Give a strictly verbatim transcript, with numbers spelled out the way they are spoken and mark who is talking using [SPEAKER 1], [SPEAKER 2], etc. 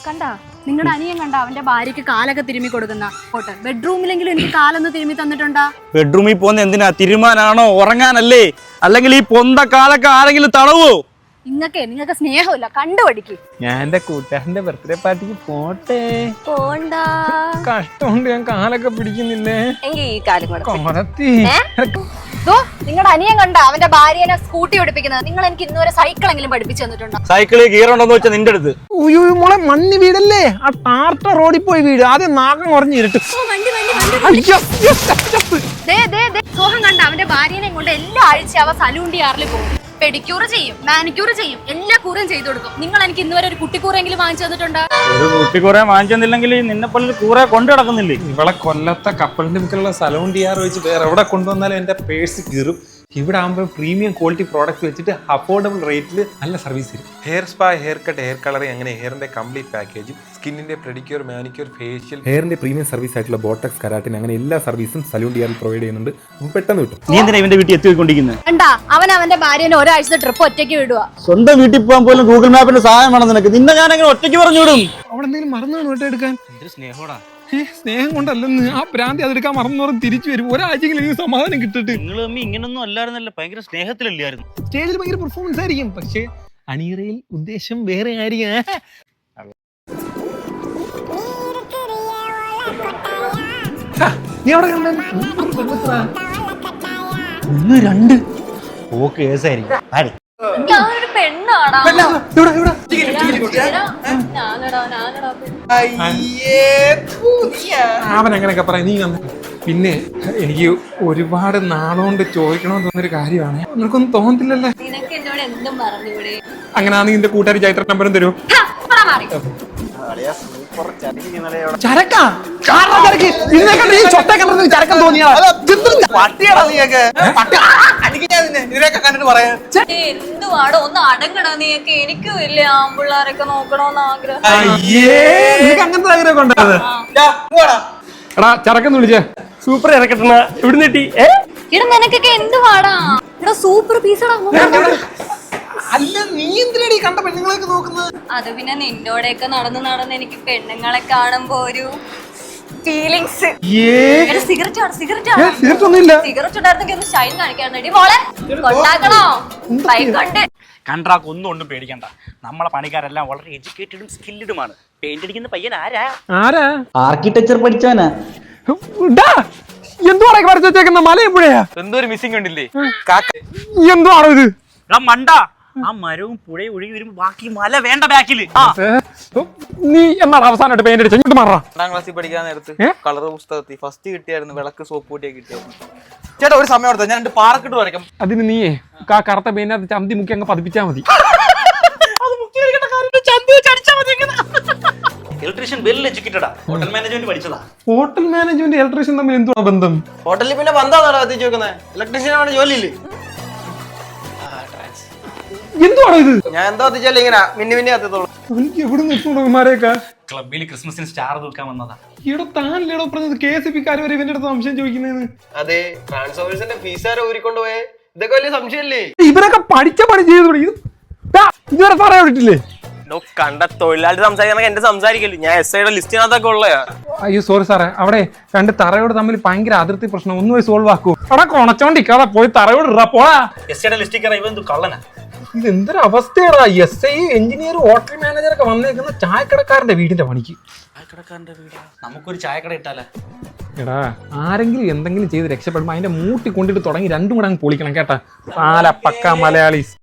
[SPEAKER 1] കണ്ടാ നിങ്ങളുടെ അനിയൻ കണ്ട അവന്റെ ഭാര്യക്ക് കാലൊക്കെ തിരുമ്മി കൊടുക്കുന്ന ഫോട്ടോ ബെഡ്റൂമിലെങ്കിലും എനിക്ക് കാലൊന്ന് തിരുമ്മി തന്നിട്ടുണ്ടാ?
[SPEAKER 2] ബെഡ്റൂമിൽ പോകുന്ന എന്തിനാ? തിരുമാനാണോ ഉറങ്ങാനല്ലേ? അല്ലെങ്കിൽ ഈ പൊന്ത കാലൊക്കെ ആരെങ്കിലും തടവോ?
[SPEAKER 1] നിങ്ങക്കേ നിങ്ങൾക്ക് സ്നേഹമില്ല, കണ്ടുപഠിക്ക്.
[SPEAKER 3] ഞാൻ എന്റെ കൂട്ടുകാരന്റെ ബർത്ത്ഡേ പാർട്ടിക്ക് പോട്ടെ.
[SPEAKER 1] പോണ്ട,
[SPEAKER 3] കഷ്ടമുണ്ട്, ഞാൻ കാലൊക്കെ പിടിക്കുന്നില്ലേ.
[SPEAKER 1] നിങ്ങളുടെ അനിയൻ കണ്ട അവന്റെ ഭാര്യനെ സ്കൂട്ടി പഠിപ്പിക്കുന്നത്. നിങ്ങൾ എനിക്ക് ഇന്നുവരെ സൈക്കിളെങ്കിലും പഠിപ്പിച്ചു തന്നിട്ടുണ്ടോ?
[SPEAKER 2] സൈക്കിളിൽ ഗിയറുണ്ടോന്ന് വെച്ചാൽ നിന്റെ അടുത്ത്
[SPEAKER 3] മോളെ മണ്ണി വീടല്ലേ, ആ ടാർട്ട റോഡിൽ പോയി വീട്. ആദ്യം നാഗം കുറഞ്ഞിരുട്ട്.
[SPEAKER 1] സോഹം കണ്ട അവന്റെ ഭാര്യനെ കൊണ്ട് എല്ലാ ആഴ്ച അവ സലൂൺ ഡിയാറിൽ പോകും. പെഡിക്യൂർ ചെയ്യും, മാനിക്യൂർ ചെയ്യും, എല്ലാ കൂറും ചെയ്തു കൊടുക്കും. നിങ്ങൾ എനിക്ക് ഇന്നുവരെ ഒരു കുട്ടിക്കൂറെങ്കിലും വാങ്ങിച്ചു തന്നിട്ടുണ്ടോ?
[SPEAKER 2] ഒരു കുട്ടിക്കൂറെ വാങ്ങിച്ചെന്നില്ലെങ്കിൽ നിന്നെ പോലെ കൂറെ കൊണ്ടു കിടക്കുന്നില്ലേ?
[SPEAKER 3] ഇവളെ കൊല്ലത്തെ കപ്പലിന്റെ മുക്കിലുള്ള സലൂൺ ഡിയാർ വെച്ച് വേറെ എവിടെ കൊണ്ടുവന്നാലും എന്റെ പേഴ്സ് കീറും. ഇവിടെ ആകുമ്പോൾ പ്രീമിയം ക്വാളിറ്റി പ്രോഡക്റ്റ് വെച്ചിട്ട് അഫോർഡബിൾ റേറ്റിൽ നല്ല സർവീസ് തരും.
[SPEAKER 4] Hair spa, hair cut, hair colouring അങ്ങനെ ഹെയറിന്റെ കംപ്ലീറ്റ് പാക്കേജും സ്കിന്നിന്റെ പെഡിക്യൂർ, മാനിക്യൂർ, ഫേഷ്യൽ,
[SPEAKER 5] ഹെയറിന്റെ പ്രീമിയം സർവീസ് ആയിട്ടുള്ള ബോട്ടക്സ്, കരാട്ടിൻ അങ്ങനെ എല്ലാ സർവീസും സലൂൺ ഡിയാറിൽ പ്രൊവൈഡ് ചെയ്യുന്നുണ്ട്. പെട്ടെന്ന് കിട്ടും.
[SPEAKER 2] നീ എന്തിനാ ഇവന്റെ വീട്ടിൽ എത്തിക്കൊണ്ടിരിക്കുന്നത്?
[SPEAKER 1] കണ്ടാ അവൻ അവന്റെ ഭാര്യനെ ഒരാഴ്ചത്തെ ട്രിപ്പ് ഒറ്റയ്ക്ക് വിടുക.
[SPEAKER 2] സ്വന്തം വീട്ടിൽ പോകാൻ പോലും ഗൂഗിൾ മാപ്പിന്റെ സഹായം വേണം നിനക്ക്. നിന്നെ ഞാൻ അങ്ങനെ ഒറ്റയ്ക്ക് പറഞ്ഞു വിടും.
[SPEAKER 3] അവിടെ എന്തെങ്കിലും മറന്നു വേണം എടുക്കാൻ.
[SPEAKER 2] സ്നേഹോടാ,
[SPEAKER 3] സ്നേഹം കൊണ്ടല്ലെന്ന്. ആ ഭ്രാന്തി അതെടുക്കാൻ മറന്നു പറഞ്ഞ് തിരിച്ചു വരും. ഒരാഴ്ചയെങ്കിലും എനിക്ക് സമാധാനം കിട്ടിട്ട്.
[SPEAKER 2] നിങ്ങൾ തമ്മി ഇങ്ങനൊന്നും അല്ലായിരുന്നല്ലോ, ഭയങ്കര സ്നേഹത്തിലല്ലായിരുന്നു.
[SPEAKER 3] സ്റ്റേജിൽ ഭയങ്കര പെർഫോമൻസ് ആയിരിക്കും, പക്ഷെ അണിയറയിൽ ഉദ്ദേശം വേറെ ആയിരിക്കും. നീ അവിടെ
[SPEAKER 2] ഒന്ന് രണ്ട് ഓ കേസായിരിക്കും.
[SPEAKER 1] ഞാനൊരു പെണ്ണാടാ.
[SPEAKER 3] അവൻ അങ്ങനെയൊക്കെ പറയാം. നീ വന്ന് പിന്നെ എനിക്ക് ഒരുപാട് നാളുകൊണ്ട് ചോദിക്കണമെന്ന് തോന്നുന്നൊരു കാര്യമാണ്. നിനക്കൊന്നും തോന്നത്തില്ലല്ലേ?
[SPEAKER 1] നിനക്ക് എന്നോട് എന്തും പറഞ്ഞൂടെ?
[SPEAKER 3] അങ്ങനെയാണെങ്കിൽ നിന്റെ കൂട്ടുകാരി ചൈത്ര നമ്പറും തരൂ. ചരക്കാ ചരക്കം തോന്നിയാ
[SPEAKER 1] എന്തുവാടോ ഒന്ന് അടങ്ങണ നീയൊക്കെ. എനിക്കും ഇല്ലേ ആമ്പിള്ളാരൊക്കെ നോക്കണോന്ന് ആഗ്രഹം.
[SPEAKER 3] അങ്ങനത്തെ ആഗ്രഹം ഉണ്ടായത്. എടാ ചരക്കെന്ന് വിളിച്ചേ.
[SPEAKER 2] സൂപ്പർ ഇറക്കട്ടണ എവിടെ നീട്ടി?
[SPEAKER 1] ഇവിടെ നിനക്കൊക്കെ എന്തുവാടാ? ഇവിടെ സൂപ്പർ പീസടാ.
[SPEAKER 3] അല്ല നീ എന്തിനാണ് ഈ കണ്ട പെണ്ണുങ്ങളെയൊക്കെ നോക്കുന്നത്?
[SPEAKER 1] അത് പിന്നെ നിന്നോടെയൊക്കെ നടന്ന് നടന്ന് എനിക്ക് പെണ്ണുങ്ങളെ കാണുമ്പോ ഒരു ഫീലിങ്സ്. സിഗരറ്റ് ആണ്, സിഗരറ്റ് ആണ്.
[SPEAKER 3] സിഗരറ്റ് ഒന്നുമില്ല.
[SPEAKER 1] സിഗരറ്റ് ഉണ്ടായിരുന്നെങ്കിൽ ഒന്ന് ഷൈൻ കാണിക്കാറുണ്ട്. മോളെ കൊണ്ടാക്കണോ? കണ്ട്
[SPEAKER 2] കണ്ട്രാക്ക് ഒന്നും ഒന്നും പേടിക്കണ്ട. നമ്മളെ പണിക്കാരെല്ലാം വളരെ എഡ്യൂക്കേറ്റഡും സ്കില്ലഡുമാണ്. പെയിന്റ് അടിക്കുന്ന പയ്യൻ ആരാ?
[SPEAKER 3] ആരാ?
[SPEAKER 2] ആർക്കിടെക്ചർ പഠിച്ചവനാ.
[SPEAKER 3] എന്തുവാണ് വരച്ചു വെച്ചേക്കുന്ന? മലയപ്പുഴയാ?
[SPEAKER 2] എന്തോ ഒരു മിസ്സിംഗ് ഉണ്ടില്ലേ?
[SPEAKER 3] എന്തുവാണോ ഇത്?
[SPEAKER 2] മണ്ട, ആ മരവും പുഴയും ഒഴുകി വരുമ്പോ ബാക്കി മല വേണ്ട ബാക്കില്.
[SPEAKER 3] നീ എന്നാണ് അവസാനമായിട്ട് പെയിന്റ് അടിച്ചത്? ഇങ്ങോട്ട് മാറാ.
[SPEAKER 6] രണ്ടാം ക്ലാസ്സിൽ പഠിക്കാൻ നേരത്ത് കളർ പുസ്തകത്തിൽ ഫസ്റ്റ് കിട്ടിയായിരുന്നു വിളക്ക് സോപ്പ് കൂട്ടിയെ കിട്ടിയായിരുന്നു. ചേട്ടാ ഒരു സമയം എടുത്താൽ ഞാൻ രണ്ട് പാറക്കിട്ട് വരയ്ക്കാം.
[SPEAKER 3] അതിന് നീയേ ആ കറുത്ത പെയിന്റിനകത്ത് ചന്തി മുക്കി അങ്ങ് പതിപ്പിച്ചാ മതി.
[SPEAKER 2] ഇലക്ട്രീഷ്യൻ വെൽ എഡ്യൂക്കേറ്റഡാ. ഹോട്ടൽ മാനേജ്മെന്റ് പഠിച്ചതാ.
[SPEAKER 3] ഹോട്ടൽ മാനേജ്മെന്റ് ഇലക്ട്രീഷ്യൻ തമ്മിൽ എന്തുവാ ബന്ധം?
[SPEAKER 6] ഹോട്ടലിൽ പിന്നെ ബന്ധാണോ കത്തിച്ച് വെക്കുന്നത്? ഇലക്ട്രീഷ്യനാണ് ജോലിയില്ലേ?
[SPEAKER 3] എന്തുവാണോ ഇത്?
[SPEAKER 6] ഞാൻ എന്താ കത്തിച്ചാലും ഇങ്ങനെ മിന്നി മിന്നി കത്തിത്തോളൂ.
[SPEAKER 3] എനിക്ക് എവിടെ നിൽക്കുമാരെയൊക്കെ
[SPEAKER 2] ക്ലബിൽ ക്രിസ്മസിന് സ്റ്റാർ തൂക്കാൻ വന്നതാ.
[SPEAKER 3] ഇവിടെ താനല്ലേടോ പറഞ്ഞത് കെ എസ് പി കാര് വരെ ഇവന്റെ അടുത്ത് സംശയം ചോദിക്കുന്നതെന്ന്?
[SPEAKER 6] അതെ, ട്രാൻസ്ഫോമേഴ്സിന്റെ ഫീസ് ആരോ ഊരിക്കൊണ്ട് പോയേ. ഇതൊക്കെ വലിയ സംശയമല്ലേ?
[SPEAKER 3] ഇവരൊക്കെ പഠിച്ച പണി ചെയ്തു. ഇതുവരെ പറയാൻ വിട്ടില്ലേ?
[SPEAKER 6] കണ്ട തൊഴിലാളി സംസാരിക്കണ എന്റെ സംസാരിക്കല്ലേ? ഞാൻ എസ് ഐയുടെ ലിസ്റ്റിനകത്തൊക്കെ ഉള്ളയാ.
[SPEAKER 3] അയ്യോ സോറി സാറേ, അവിടെ രണ്ട് തറയോട് തമ്മിൽ ഭയങ്കര അതിർത്തി പ്രശ്നം. ഒന്ന് പോയി സോൾവ് ആക്കൂ. അവിടെ കൊണച്ചോണ്ടിരിക്കാതെ പോയി തറയോട് ഇടാ പോടാ. ഇത് എന്തൊരു അവസ്ഥയാടാ? S I, engineer, hotel manager ഒക്കെ വന്നേക്കുന്ന ചായക്കടക്കാരന്റെ വീടിന്റെ പണിക്ക്.
[SPEAKER 2] ചായക്കടക്കാരന്റെ വീടാ? നമുക്കൊരു ചായക്കട ഇട്ടാലേ?
[SPEAKER 3] എടാ ആരെങ്കിലും എന്തെങ്കിലും ചെയ്ത് രക്ഷപ്പെടുമ്പോ അതിന്റെ മൂട്ടി കൊണ്ടിട്ട് തുടങ്ങി രണ്ടും കൂടെ അങ്ങ് പൊളിക്കണം കേട്ടാ. പാല പക്ക മലയാളീസ്.